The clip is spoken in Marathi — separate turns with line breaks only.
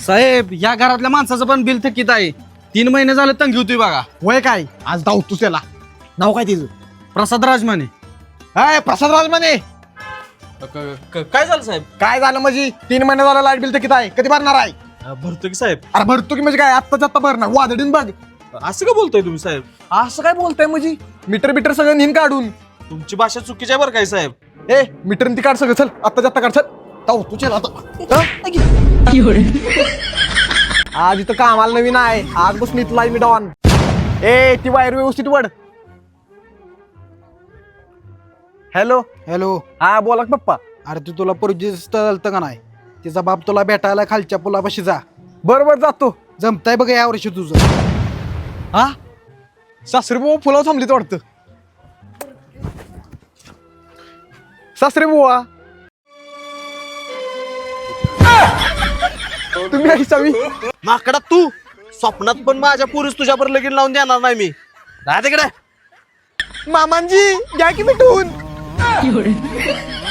साहेब या घरातल्या माणसाचं पण बिल थकीत आहे. 3 महिने झाले तंगी होती बघा.
वय काय आज धावतोस त्याला. नाव काय तिचं?
प्रसाद राजमाने.
हाय प्रसाद राजमाने.
काय झालं साहेब?
काय झालं म्हणजे 3 महिने झालं लाईट बिल तर किती आहे? कधी भरणार आहे?
भरतो की साहेब.
अरे भरतो की म्हणजे काय आत्ताच आत्ता भरणार वादळीन बघ.
असं का बोलताय तुम्ही साहेब?
असं काय बोलताय म्हणजे मीटर बिटर सगळं निन काढून.
तुमची भाषा चुकीची आहे बरं काय साहेब?
ए मीटर ती काढ सगळं. चल आत्ताच आत्ता काढ. चल धावतो चल आता. आज इथं कामाला नवीन आहे. आज बसून इथला मी डॉन. ए ती वायर व्यवस्थित वड. Hello
hello.
हा बोला की पप्पा.
अरे तू तुला पोरगी स्थळतं का नाही? तिचा बाप तुला भेटायला खालच्या पुलापाशी जा.
बरोबर जातो.
जमताय बघ या वर्षी तुझं.
हा सासरे बुवा फुलावर थांबलीत वाटतं. सासरे बुवा तुम्ही ऐसावी.
माकडा तू स्वप्नात पण माझ्या पुरुष तुझ्यावर लगीन लावून देणार नाही मी. राहा तिकडे.
मामांजी घ्या की मिठून.